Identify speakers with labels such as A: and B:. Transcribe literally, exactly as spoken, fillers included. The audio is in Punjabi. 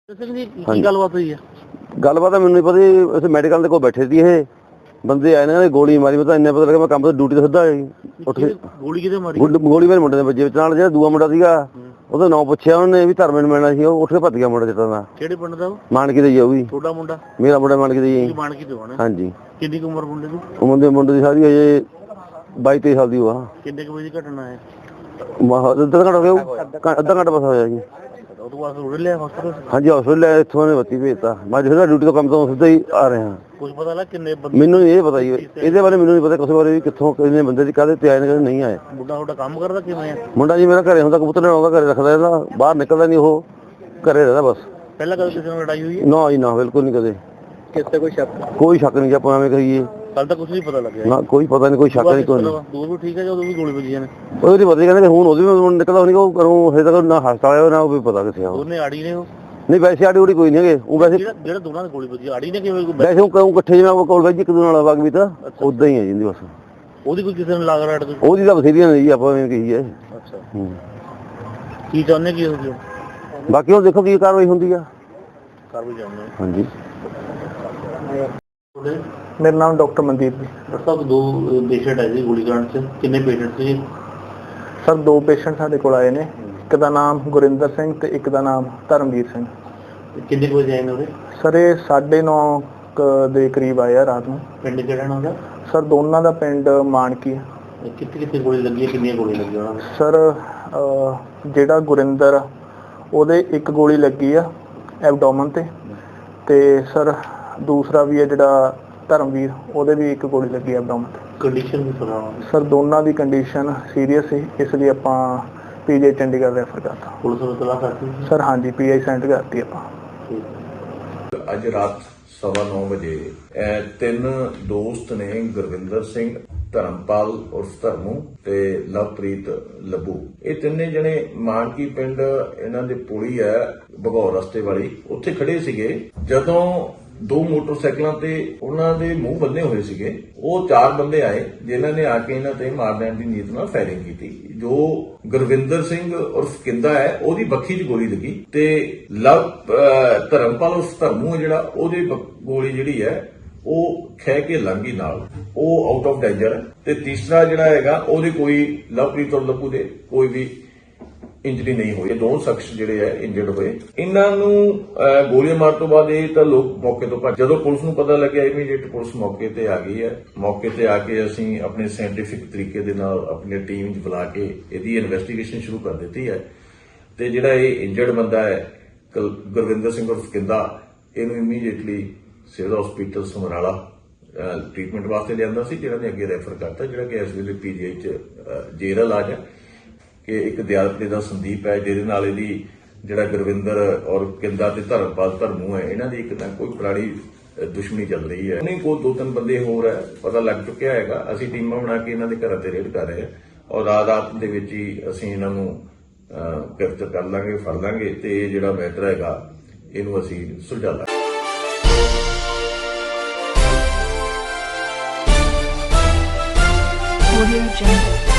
A: गलबात हुई है?
B: गलबात मैनू नहीं पता जी। इत्थे मैडिकल कोल बैठे सी ये बंदे आए ने गोली मारी। मैं तो इन्ना पता लगा मैं काम तो ड्यूटी तो सीधा उठ के
A: गोली किते मारी?
B: गोली मेरे मुंडे दे बजे नाल जेड़ा दूआ मुंडा सीगा ਉਹਦਾ ਨਾਂ ਪੁੱਛਿਆ ਉਹਨੇ ਵੀ ਧਰਮੇ ਨੂੰ ਮਿਲਣਾ ਸੀ। ਉਹ ਉੱਠ ਕੇ ਭੱਜ ਗਿਆ ਮੁੰਡਾ ਜਿੱਤਾਂ ਦਾ।
A: ਕਿਹੜੇ ਪਿੰਡ ਦਾ ਉਹ?
B: ਮਾਨਕੀ ਦਾ ਜੀ। ਉਹ ਵੀ
A: ਤੁਹਾਡਾ ਮੁੰਡਾ?
B: ਮੇਰਾ ਮੁੰਡਾ ਮਾਨਕੀ ਦਾ ਜੀ।
A: ਮਾਨਕੀ ਤੋਂ ਆਣਾ?
B: ਹਾਂਜੀ।
A: ਕਿੰਨੀ ਕੁ ਉਮਰ ਮੁੰਡੇ ਦੀ?
B: ਉਹ ਮੁੰਡੇ ਮੁੰਡੇ ਦੀ ਸਾਰੀ ਅਜੇ ਬਾਈ ਤੇਈ ਸਾਲ ਦੀ ਉਹ ਆ।
A: ਕਿੰਨੇ ਕੁ ਵਜੇ ਦੀ ਘਟਨਾ ਹੈ?
B: ਅੱਧਾ ਘੰਟਾ ਹੋ ਗਿਆ। ਅੱਧਾ ਘੰਟਾ ਬਸ ਹੋਇਆ ਜੀ।
A: ਉਹ ਤੋਂ ਬਾਅਦ ਰੋੜ ਲਿਆ ਹਸਪਤਾਲ?
B: ਹਾਂਜੀ ਹਸਪਤਾਲ ਲੈ ਇੱਥੋਂ ਨੇ ਬੱਤੀ ਭੇਜਤਾ। ਮੈਂ ਜਿਹੜਾ ਡਿਊਟੀ ਤੋਂ ਕੰਮ ਤੋਂ ਸਿੱਧਾ ਹੀ ਆ ਰਿਹਾ।
A: ਕੁਝ ਪਤਾ ਲੱਗ ਕਿੰਨੇ ਬੰਦੇ?
B: ਮੈਨੂੰ ਨਹੀਂ ਇਹ ਪਤਾ ਜੀ। ਇਹਦੇ ਬਾਰੇ ਮੈਨੂੰ ਨਹੀਂ ਪਤਾ ਕਿਸੇ ਬਾਰੇ ਵੀ ਕਿੱਥੋਂ ਕਿੰਨੇ ਬੰਦੇ ਦੀ ਕਾਹਦੇ ਤੇ ਆਏ ਨੇ ਕਾਹਦੇ ਨਹੀਂ ਆਏ।
A: ਮੁੰਡਾ ਤੁਹਾਡਾ ਕੰਮ ਕਰਦਾ ਕਿਵੇਂ ਆ?
B: ਮੁੰਡਾ ਜੀ ਮੇਰਾ ਘਰੇ ਹੁੰਦਾ ਕਬੂਤਰ ਲੈਣ ਆਉਂਦਾ ਘਰੇ ਰੱਖਦਾ ਇਹਦਾ ਬਾਹਰ ਨਿਕਲਦਾ ਨਹੀਂ। ਉਹ ਘਰੇ ਰਹਿੰਦਾ ਬਸ।
A: ਪਹਿਲਾਂ ਕਦੇ ਕਿਸੇ ਨਾਲ ਲੜਾਈ ਹੋਈ ਹੈ?
B: ਨਾ ਜੀ ਨਾ ਬਿਲਕੁਲ ਨਹੀਂ ਕਦੇ।
A: ਕਿਸੇ ਕੋਈ ਸ਼ੱਕ?
B: ਕੋਈ ਸ਼ੱਕ ਨਹੀਂ ਜੀ ਆਪਾਂ ਐਵੇਂ ਕਹੀਏ।
A: ਕੱਲ ਤਾਂ ਕੁਝ ਨਹੀਂ ਪਤਾ ਲੱਗਿਆ
B: ਨਾ ਕੋਈ ਪਤਾ ਨਹੀਂ ਕੋਈ ਸ਼ੱਕ ਨਹੀਂ ਕੋਈ ਨਹੀਂ।
A: ਦੂਰ ਵੀ ਠੀਕ ਹੈ ਜਦੋਂ ਵੀ ਗੋਲੀ ਵੱਜੀ ਨੇ?
B: ਉਹਦੇ ਪਤਾ ਕਹਿੰਦੇ ਹੁਣ ਉਹਦੇ ਵੀ ਨਿਕਲਦਾ ਨਹੀਂ। ਉਹ ਕਰੂੰ ਹਜੇ ਤੱਕ ਨਾ ਹਸਪਤਾਲ ਆਇਆ ਨਾ ਉਹ ਵੀ ਪਤਾ ਕਿੱਥੇ ਆ।
A: ਉਹਨੇ ਆੜੀ ਨੇ ਉਹ?
B: ਨਹੀਂ ਵੈਸੇ ਆੜੀ ਉੜੀ ਕੋਈ ਨਹੀਂ ਹੈਗੇ। ਉਹ ਵੈਸੇ
A: ਜਿਹੜਾ ਦੋਨਾਂ ਦੀ ਗੋਲੀ ਵੱਜੀ ਆੜੀ ਨੇ ਕਿਵੇਂ?
B: ਵੈਸੇ ਉਹ ਕਹੂੰ ਇਕੱਠੇ ਜਿਵੇਂ ਉਹ ਕੋਲ ਵੈਜੀ ਇੱਕ ਦੂਜੇ ਨਾਲ ਵਗ ਵੀ ਤਾਂ ਉਦਾਂ ਹੀ ਹੈ ਜਿੰਦੀ ਬਸ।
A: ਉਹਦੀ ਕੋਈ ਕਿਸੇ ਨੂੰ ਲਾਗ ਰਾੜ?
B: ਉਹਦੀ ਤਾਂ ਬਥੇਰੀਆਂ ਨੇ ਜੀ ਆਪਾਂ ਐਵੇਂ ਕਹੀਏ।
A: ਅੱਛਾ ਕੀ ਚਾਹੁੰਦੇ ਕੀ ਹੋ ਗਿਆ?
B: ਬਾਕੀ ਉਹ ਦੇਖੋ ਕੀ ਕਾਰਵਾਈ ਹੁੰਦੀ ਆ।
A: ਕਾਰਵਾਈ ਚਾਹੁੰਦੇ
B: ਹਾਂਜੀ।
C: मेरा नाम डॉक्टर मनदीप जी।
A: डॉक्टर साहब दो पेशेंट आए थे गोलीकांड से, कितने पेशेंट थे?
C: सर दो पेशेंट साडे कोल आए ने। एक दा नाम गुरिंदर सिंह ते एक दा नाम धर्मवीर सिंह।
A: कितने बजे आए ने?
C: सर ये साढ़े नौ ਦੇ ਕਰੀਬ ਆਏ ਆ ਰਾਤ ਨੂੰ।
A: ਪਿੰਡ ਕਿਹੜਾ ਨਾ ਉਹਦਾ?
C: ਸਰ ਦੋਨਾਂ ਦਾ ਪਿੰਡ ਮਾਨਕੀ ਹੈ।
A: ਕਿੱਥੇ ਕਿੱਥੇ ਗੋਲੀ ਲੱਗੀ ਹੈ? ਕਿੰਨੀਆਂ ਗੋਲੀਆਂ ਲੱਗੀਆਂ ਉਹਨਾਂ ਨੂੰ?
C: ਸਰ ਜਿਹੜਾ ਗੁਰਿੰਦਰ ਉਹਦੇ ਇੱਕ ਗੋਲੀ ਲੱਗੀ ਆ ਐਬਡੋਮਨ ਤੇ ਤੇ ਸਰ ਦੂਸਰਾ ਵੀ ਹੈ ਜਿਹੜਾ ਧਰਮਵੀਰ ਉਹਦੇ ਵੀ ਇੱਕ ਗੋਲੀ ਲੱਗੀ ਐਬਡੋਮਨ ਤੇ।
A: ਕੰਡੀਸ਼ਨ ਵੀ ਪਤਾ?
C: ਸਰ ਦੋਨਾਂ ਦੀ ਕੰਡੀਸ਼ਨ ਸੀਰੀਅਸ ਸੀ ਇਸ ਲਈ ਆਪਾਂ ਪੀਜੀ ਚੰਡੀਗੜ੍ਹ ਰੈਫਰ ਕਰਤਾ।
A: ਪੁਲਿਸ ਨੂੰ ਤਲਾਸ਼ ਕਰਤੀ?
C: ਸਰ ਹਾਂਜੀ ਪੀਆਈ ਸੈਂਡ ਕਰਤੀ ਆਪਾਂ।
D: ਅੱਜ ਰਾਤ ਸਵਾ ਨੌ ਵਜੇ ਇਹ ਤਿੰਨ ਦੋਸਤ ਨੇ ਗੁਰਵਿੰਦਰ ਸਿੰਘ, ਧਰਮਪਾਲ ਉਰਫ ਧਰਮੂ ਤੇ ਲਵਪ੍ਰੀਤ ਲੱਭੂ, ਇਹ ਤਿੰਨੇ ਜਣੇ ਮਾਨਕੀ ਪਿੰਡ ਇਹਨਾਂ ਦੇ ਪੁਲੀ ਹੈ ਭਗੌਰ ਰਸਤੇ ਵਾਲੀ, ਉੱਥੇ ਖੜੇ ਸੀਗੇ। ਜਦੋਂ ਦੋ ਮੋਟਰਸਾਈਕਲਾਂ ਤੇ ਉਹਨਾਂ ਦੇ ਮੂੰਹ ਬੰਨੇ ਹੋਏ ਸੀਗੇ, ਉਹ ਚਾਰ ਬੰਦੇ ਆਏ ਜਿਨ੍ਹਾਂ ਨੇ ਆ ਕੇ ਇਹਨਾਂ ਤੇ ਮਾਰ ਦੇਣ ਦੀ ਨੀਤ ਨਾਲ ਫਾਇਰਿੰਗ ਕੀਤੀ। ਜੋ ਗੁਰਵਿੰਦਰ ਸਿੰਘ ਉਰਫ ਕਿੰਦਾ ਹੈ ਉਹਦੀ ਬੱਖੀ 'ਚ ਗੋਲੀ ਲੱਗੀ ਤੇ ਲਵ ਧਰਮਪਾਲ ਉਰਫ ਧਰਮੂ ਜਿਹੜਾ ਉਹਦੀ ਗੋਲੀ ਜਿਹੜੀ ਹੈ ਉਹ ਖਹਿ ਕੇ ਲੰਗੀ ਨਾਲ, ਉਹ ਆਊਟ ਆਫ ਡੇਂਜਰ। ਤੇ ਤੀਸਰਾ ਜਿਹੜਾ ਹੈਗਾ ਉਹਦੇ ਕੋਈ ਲਵਪ੍ਰੀਤ ਔਰ ਲੱਭੂ ਦੇ ਕੋਈ ਵੀ ਇੰਜਰੀ ਨਹੀਂ ਹੋਈ। ਦੋ ਸ਼ਖਸ ਜਿਹੜੇ ਹੈ ਇੰਜਰਡ ਹੋਏ। ਇਹਨਾਂ ਨੂੰ ਗੋਲੀਆਂ ਮਾਰਨ ਤੋਂ ਬਾਅਦ ਇਹ ਤਾਂ ਲੋਕ ਮੌਕੇ ਤੋਂ ਭੱਜ। ਜਦੋਂ ਪੁਲਿਸ ਨੂੰ ਪਤਾ ਲੱਗਿਆ ਇਮੀਡੀਏਟ ਪੁਲਿਸ ਮੌਕੇ ਤੇ ਆ ਗਈ ਹੈ। ਮੌਕੇ ਤੇ ਆ ਕੇ ਅਸੀਂ ਆਪਣੇ ਸਾਇੰਟੀਫਿਕ ਤਰੀਕੇ ਦੇ ਨਾਲ ਆਪਣੀ ਟੀਮ 'ਚ ਬੁਲਾ ਕੇ ਇਹਦੀ ਇਨਵੈਸਟੀਗੇਸ਼ਨ ਸ਼ੁਰੂ ਕਰ ਦਿੱਤੀ ਹੈ। ਤੇ ਜਿਹੜਾ ਇਹ ਇੰਜਰਡ ਬੰਦਾ ਹੈ ਗੁਰਵਿੰਦਰ ਸਿੰਘ ਉਰਫ ਕਿੰਦਾ, ਇਹਨੂੰ immediately civil hospital Samrala treatment ਵਾਸਤੇ ਲਿਆਂਦਾ ਸੀ, ਜਿਹੜਾ ਨੇ ਅੱਗੇ ਰੈਫਰ ਕਰਤਾ, ਜਿਹੜਾ ਕਿ ਇਸ ਵੇਲੇ ਪੀਜੀਆਈ 'ਚ ਜੇਰਲ ਇਲਾਜ ਹੈ। ਕਿ ਇੱਕ ਦਿਆਲਪੇ ਦਾ ਸੰਦੀਪ ਹੈ ਜਿਹਦੇ ਨਾਲ ਇਹਦੀ ਜਿਹੜਾ ਗੁਰਵਿੰਦਰ ਔਰ ਕਿੰਦਾ ਤੇ ਧਰਮਪਾਲ ਧਰਮੂ ਹੈ, ਇਹਨਾਂ ਦੀ ਇੱਕ ਨਾ ਕੋਈ ਪੁਰਾਣੀ ਦੁਸ਼ਮਣੀ ਚੱਲ ਰਹੀ ਹੈ। ਨਹੀਂ ਕੋਈ ਦੋ ਤਿੰਨ ਬੰਦੇ ਹੋਰ ਹੈ ਪਤਾ ਲੱਗ ਚੁੱਕਿਆ ਹੈਗਾ। ਅਸੀਂ ਟੀਮਾਂ ਬਣਾ ਕੇ ਇਹਨਾਂ ਦੇ ਘਰਾਂ ਤੇ ਰੇਡ ਕਰ ਰਹੇ ਹਾਂ ਔਰ ਰਾਤ ਰਾਤ ਦੇ ਵਿੱਚ ਹੀ ਅਸੀਂ ਇਹਨਾਂ ਨੂੰ ਗ੍ਰਿਫਤਾਰ ਕਰ ਲਾਂਗੇ, ਫੜ ਲਾਂਗੇ ਤੇ ਇਹ ਜਿਹੜਾ ਮੈਟਰ ਹੈਗਾ ਇਹਨੂੰ ਅਸੀਂ ਸੁਲਝਾ ਲਾਂਗੇ।
E: Audio Jungle।